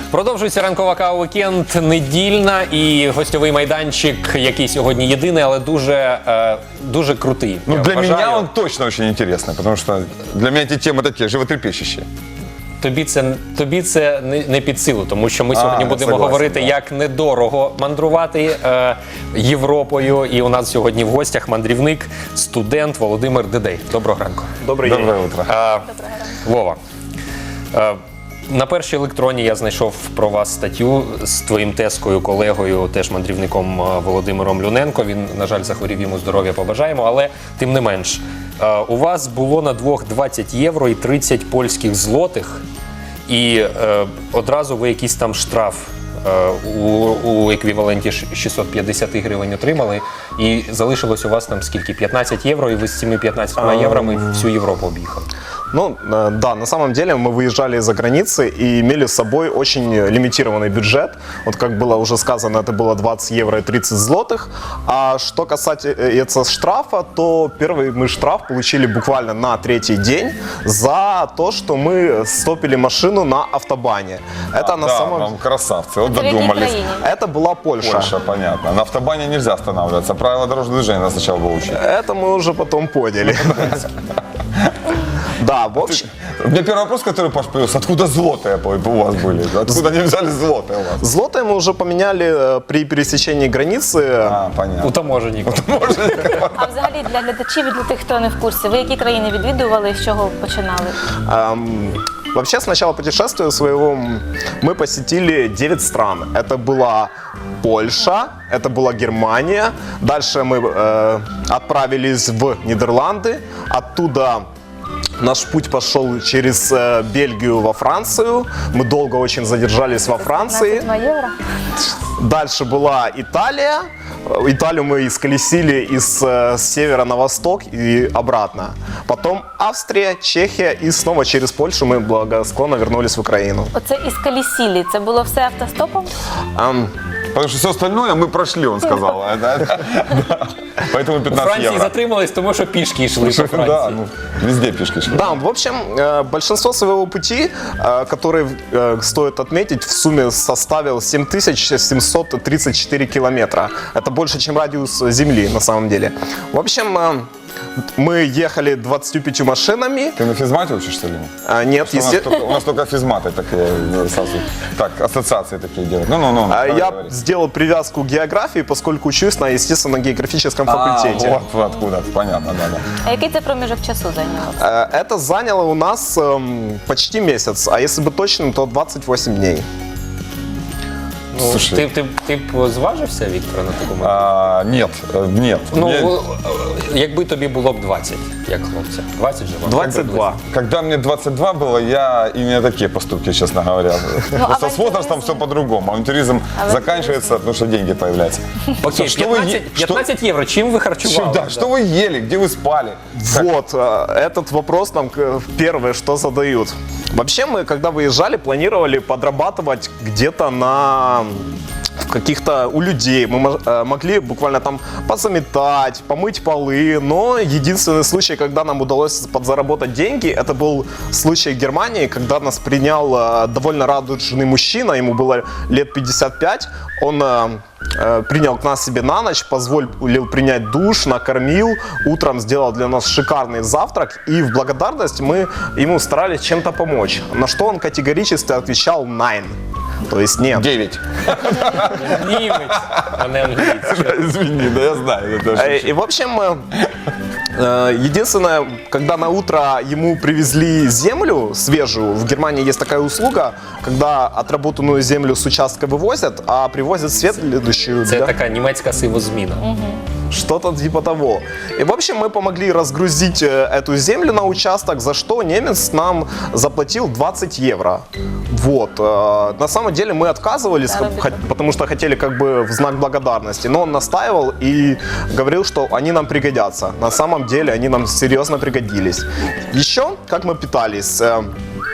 Продовжується ранкова кава «Вікенд», недільна і гостьовий майданчик, який сьогодні єдиний, але дуже крутий. Ну, для меня он точно очень интересный, потому что для меня эти темы такие животрепещущие. Тобі це не під силу, тому що ми сьогодні будемо говорити, як недорого мандрувати Європою. І у нас сьогодні в гостях мандрівник, студент Володимир Дедей. Доброго ранку. Доброе утро. Вова, на першій електроні я знайшов про вас статтю з твоїм тезкою, колегою, теж мандрівником Володимиром Люненко. Він, на жаль, захворів, йому здоров'я побажаємо, але тим не менш. У вас було на двох 20 євро і 30 польських злотих, і одразу ви якийсь там штраф у еквіваленті 650 гривень отримали, і залишилось у вас там скільки? 15 євро, і ви з цими 15 єврами всю Європу об'їхали. Ну, да, на самом деле мы выезжали из-за границы и имели с собой очень лимитированный бюджет. Вот как было уже сказано, это было 20 евро и 30 злотых. А что касается штрафа, то первый мы штраф получили буквально на третий день за то, что мы стопили машину на автобане. Это на самом... Вам красавцы, вот додумались. Это была Польша. Польша, понятно. На автобане нельзя останавливаться. Правила дорожного движения надо сначала выучить. Это мы уже потом поняли. Да, в общем... У меня первый вопрос, который Паш появился, откуда злотые у вас были? Откуда они взяли злотые у вас? Злотые мы уже поменяли при пересечении границы. Понятно. У таможенника. А взагалі для глядачів і для тих, хто не в курсі, ви які країни відвідували і з чого починали? Вообще, с начала путешествия своего мы посетили 9 стран. Это была Польша, это была Германия. Дальше мы отправились в Нидерланды. Оттуда наш путь пошел через Бельгию во Францию. Мы долго очень задержались во Франции. 22 євро? Дальше была Италия. Италию мы исколесили из севера на восток и обратно. Потом Австрия, Чехия и снова через Польшу мы благосклонно вернулись в Украину. Оце із Калісілі, це було все автостопом? Потому что все остальное мы прошли, он сказал. Поэтому У 15 Франції евро. затримались, тому що пішки йшли по Да, Франції. ну, везде пешки шли. Да, в общем, большинство своего пути, который, стоит отметить, в сумме составил 7734 километра. Это больше, чем радиус Земли, на самом деле. В общем, мы ехали 25 машинами. Ты на физмате учишь, что ли? Нет, У нас только физматы такие, сразу, так, ассоциации такие делают. Ну. Я сделал привязку к географии, поскольку учусь на естественно-географическом факультете. Вот откуда, понятно, да. А який це проміжок часу зайняло? Это заняло у нас почти месяц, а если быть точным, то 28 дней. Ну, Слушай. ти б зважився, Віктора, на такому? Нет. Ну, якби тобі було б 20, як хлопця. 20 же вам? 22. Когда мне 22 было, я и не такие поступки, честно говоря. Просто с возрастом все по-другому. Авантюризм заканчивается, потому что деньги появляются. Окей, Что вы 15 євро, чим ви харчували? Да, что вы ели, где вы спали? Вот, этот вопрос нам первое, что задают. Вообще мы, когда выезжали, планировали подрабатывать где-то на каких-то у людей. Мы могли буквально там позаметать, помыть полы, но единственный случай, когда нам удалось подзаработать деньги, это был случай в Германии, когда нас принял довольно радужный мужчина, ему было лет 55, он принял к нас себе на ночь, позволил принять душ, накормил, утром сделал для нас шикарный завтрак, и в благодарность мы ему старались чем-то помочь. На что он категорически отвечал «nine». То есть нет. 9. Німець, а не англійський. Извини, да я знаю. И в общем, единственное, когда на утро ему привезли землю свежую, в Германии есть такая услуга, когда отработанную землю с участка вывозят, а привозят следующую. Це така німецька сивозміна. Что-то типа того. И, в общем, мы помогли разгрузить эту землю на участок, за что немец нам заплатил 20 евро. Вот. На самом деле мы отказывались, потому что хотели как бы в знак благодарности, но он настаивал и говорил, что они нам пригодятся. На самом деле они нам серьезно пригодились. Еще, как мы питались...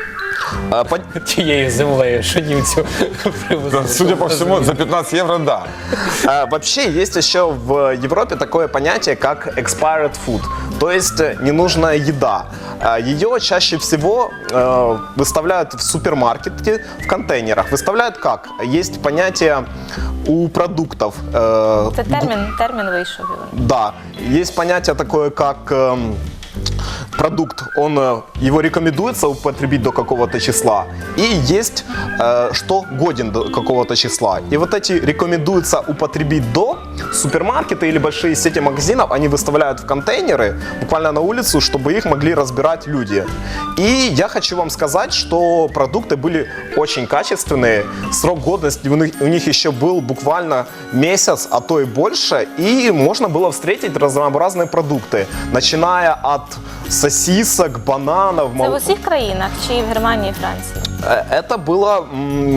Тією землею, що німцю привезли. Судя по всему, за 15 евро, да. Вообще есть еще в Европе такое понятие, как expired food, то есть ненужная еда. Ее чаще всего выставляют в супермаркете в контейнерах. Выставляют как? Есть понятие у продуктов. Це термін вийшов. Да, есть понятие такое, как продукт, его рекомендуется употребить до какого-то числа, и есть, что годен до какого-то числа. И вот эти рекомендуется употребить до, супермаркеты или большие сети магазинов, они выставляют в контейнеры, буквально на улицу, чтобы их могли разбирать люди. И я хочу вам сказать, что продукты были очень качественные, срок годности у них еще был буквально месяц, а то и больше, и можно было встретить разнообразные продукты, начиная от сосисок, бананов. Це в усіх країнах чи в Германії і Франції? Это было...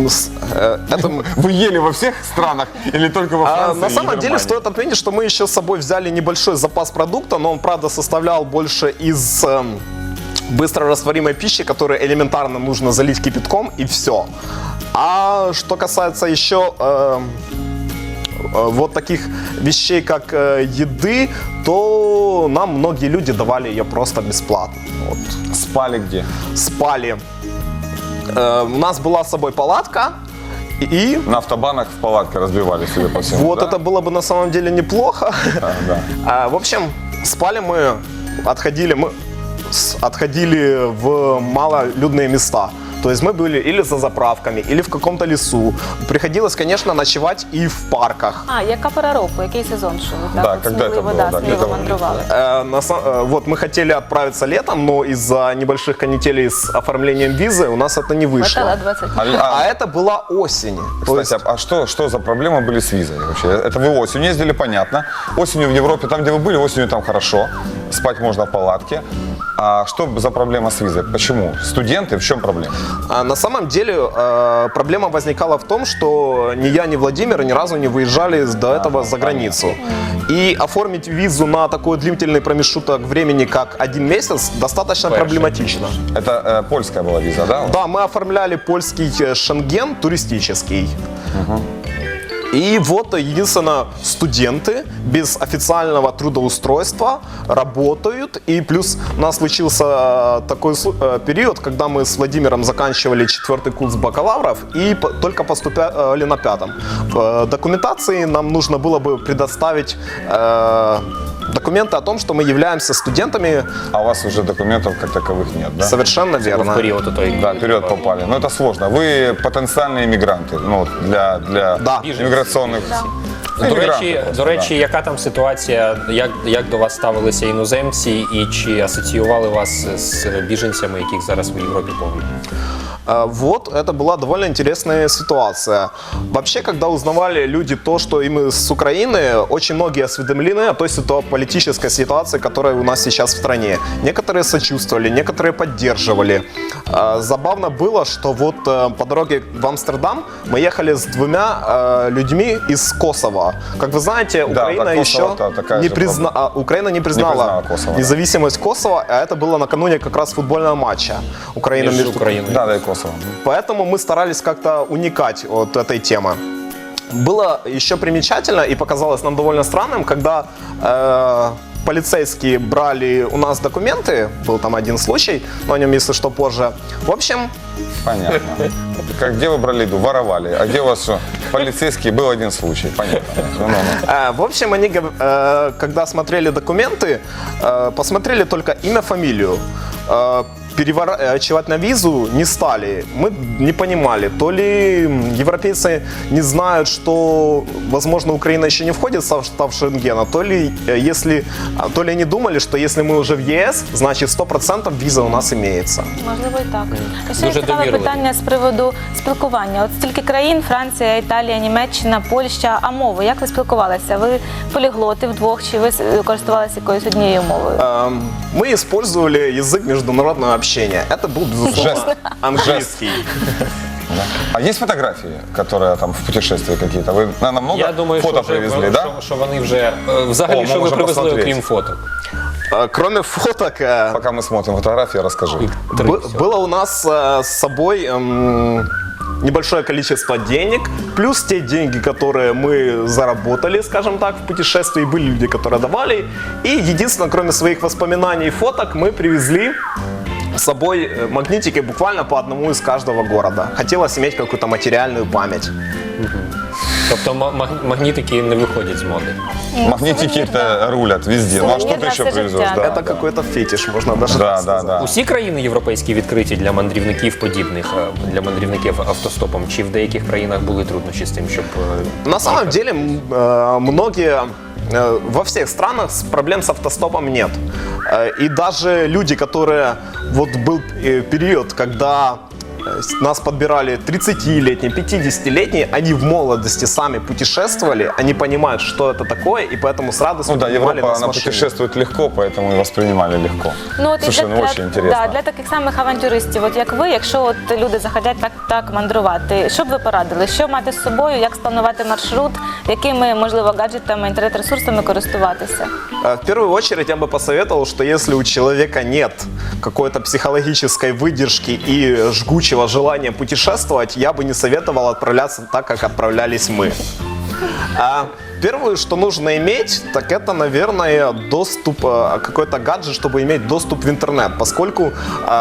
Вы ели во всех странах или только во Франции? На самом и деле Германии? стоит отметить, что мы еще с собой взяли небольшой запас продукта, но он, правда, составлял больше из быстрорастворимой пищи, которую элементарно нужно залить кипятком, и все. А что касается еще вот таких вещей, как еды, то нам многие люди давали ее просто бесплатно. Вот. Спали где? Спали. У нас была с собой палатка, и На автобанах в палатке разбивали, судя по всему. вот да? это было бы на самом деле неплохо. Да. В общем, спали мы, отходили в малолюдные места. То есть мы были или за заправками, или в каком-то лесу. Приходилось, конечно, ночевать и в парках. А, яка пора року, який сезон, що ви Да, так когда это сміливо, было, да, сміло где-то мандрували? Вот мы хотели отправиться летом, но из-за небольших канителей с оформлением визы у нас это не вышло. Хватало 20 днів. А это была осень. То есть, Кстати, а что за проблемы были с визой вообще? Это вы осенью ездили, понятно. Осенью в Европе, там, где вы были, осенью там хорошо. Спать можно в палатке. А что за проблема с визой? Почему? Студенты, в чем проблема? На самом деле проблема возникала в том, что ни я, ни Владимир ни разу не выезжали до этого за границу. И оформить визу на такой длительный промежуток времени, как 1 месяц, достаточно проблематично. Это польская была виза, да? Да, мы оформляли польский Шенген туристический. И вот, единственно, студенты без официального трудоустройства работают. И плюс у нас случился такой период, когда мы с Владимиром заканчивали 4-й курс бакалавров и только поступали на 5-м. В документации нам нужно было бы предоставить документы о том, что мы являемся студентами. А у вас уже документов как таковых нет, да? Совершенно В верно. період той. Да, вперед попали. Но это сложно. Вы потенциальные иммигранты, ну, для Да. иммиграционных. До речі, яка там ситуація, як до вас ставилися іноземці і чи асоціювали вас з біженцями, яких зараз в Європі повно? Вот, это была довольно интересная ситуация. Вообще, когда узнавали люди то, что им с Украины, очень многие осведомлены о той политической ситуации, которая у нас сейчас в стране. Некоторые сочувствовали, некоторые поддерживали. Забавно было, что вот по дороге в Амстердам мы ехали с 2 людьми из Косово. Как вы знаете, Украина да, еще Косово, такая же Украина не признала Косово, да. независимость Косово, а это было накануне как раз футбольного матча Украина Між между Україною. Да, и Косово. Поэтому мы старались как-то уникать от этой темы. Было еще примечательно и показалось нам довольно странным, когда полицейские брали у нас документы, был там один случай, но о нем, если что, позже. В общем, Понятно. Как где вы брали еду? Воровали. А где у вас что? Полицейские, был один случай. Понятно. в общем, они, когда смотрели документы, посмотрели только имя, фамилию. Переворачивать на визу не стали. Мы не понимали, то ли европейцы не знают, что, возможно, Украина еще не входит в состав Шенгена, то ли они думали, что если мы уже в ЕС, значит 100% виза у нас имеется. Можливо, і так. Ще Дуже є цікаве довірливі. питання з приводу спілкування. От стільки країн: Франція, Італія, Німеччина, Польща. А мови? Як ви спілкувалися? Ви поліглоти вдвох, чи ви користувалися якоюсь однією мовою? Мы использовали язык международного общения. Это был, безусловно, английский. А есть фотографии, которые там в путешествии какие-то? Вы, наверное, много Я думаю, фото що, привезли, да? що вони вже взагалі, О, що ви можемо привезли, посмотреть. окрім фото? Кроме фоток, Пока мы смотрим фотографии, расскажи. было у нас с собой небольшое количество денег, плюс те деньги, которые мы заработали, скажем так, в путешествии. Были люди, которые давали. И единственное, кроме своих воспоминаний и фоток, мы привезли с собой магнитики буквально по одному из каждого города. Хотелось иметь какую-то материальную память. Тобто магнітики не виходять з моди. Магнитики-то рулят везде. Ну а что ты Сувенир еще на все привезешь? життя. Да, Это да. какой-то фетиш, можно даже Да, так да, сказать. да. Усі країни європейські відкриті для мандрівників подібних, для мандрівників автостопом? Чи в деяких країнах були труднощі з тим, щоб... На самом деле, многие, во всех странах проблем с автостопом нет. И даже люди, которые, вот был период, когда нас подбирали 30-летние, 50-летние, они в молодости сами путешествовали, они понимают, что это такое, и поэтому с радостью Ну да, принимали Европа, нас в она машине. путешествует легко, поэтому и воспринимали легко. Ну, от і Слушай, ну очень интересно. да, для таких самих авантюристів, от як ви, якщо от люди захотять так мандрувати, що б ви порадили? Що мати з собою, як спланувати маршрут, якими, можливо, гаджетами, інтернет-ресурсами користуватися? В первую очередь я бы посоветовал, что если у человека нет какой-то психологической выдержки и жгучего желания путешествовать, я бы не советовал отправляться так, как отправлялись мы. Первое, что нужно иметь, так это, наверное, доступ, какой-то гаджет, чтобы иметь доступ в интернет, поскольку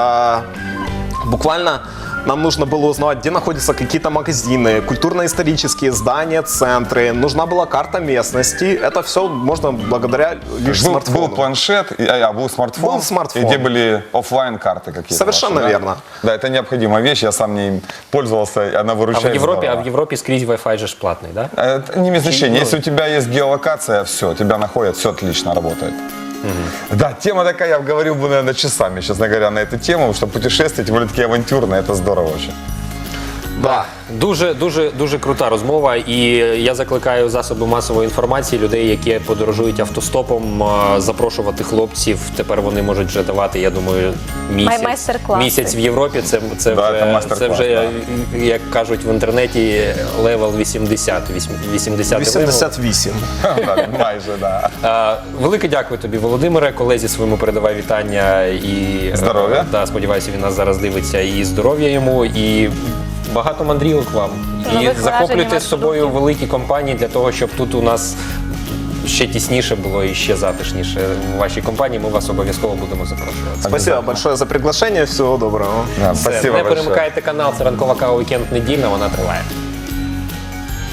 буквально нам нужно было узнавать, где находятся какие-то магазины, культурно-исторические здания, центры. Нужна была карта местности. Это все можно благодаря лишь смартфону. Был планшет, был смартфон, Был смартфон. и где были оффлайн карты какие-то. Совершенно ваши, да? верно. Да, это необходимая вещь, я сам не пользовался, она А выручает в Європі скрізь Wi-Fi же ж платний, да? Это не имеет значения. Если у тебя есть геолокация, все, тебя находят, все отлично работает. Да, тема такая, я говорил бы, наверное, часами, честно говоря, на эту тему, что путешествия, тем более такие авантюрные, это здорово очень. Да. Дуже крута розмова, і я закликаю засоби масової інформації, людей, які подорожують автостопом, запрошувати хлопців. Тепер вони можуть вже давати, я думаю, Майстер-класи. місяць в Європі. Це це майстер-клас, вже, як кажуть в інтернеті, левел 80. 80 88. Да, майже, да. Велике дякую тобі, Володимире. Колезі своєму передавай вітання і Здоров'я. Сподіваюся, він нас зараз дивиться, і здоров'я йому, і багато мандрівок вам. І Нових захоплюйте вражень, з собою великі компанії для того, щоб тут у нас ще тісніше було і ще затишніше в вашій компанії. Ми вас обов'язково будемо запрошувати. Спасибо большое за приглашение. Всего доброго. Да, Все, спасибо не большое. перемикайте канал, це ранкова кава «Вікенд недільна», вона триває.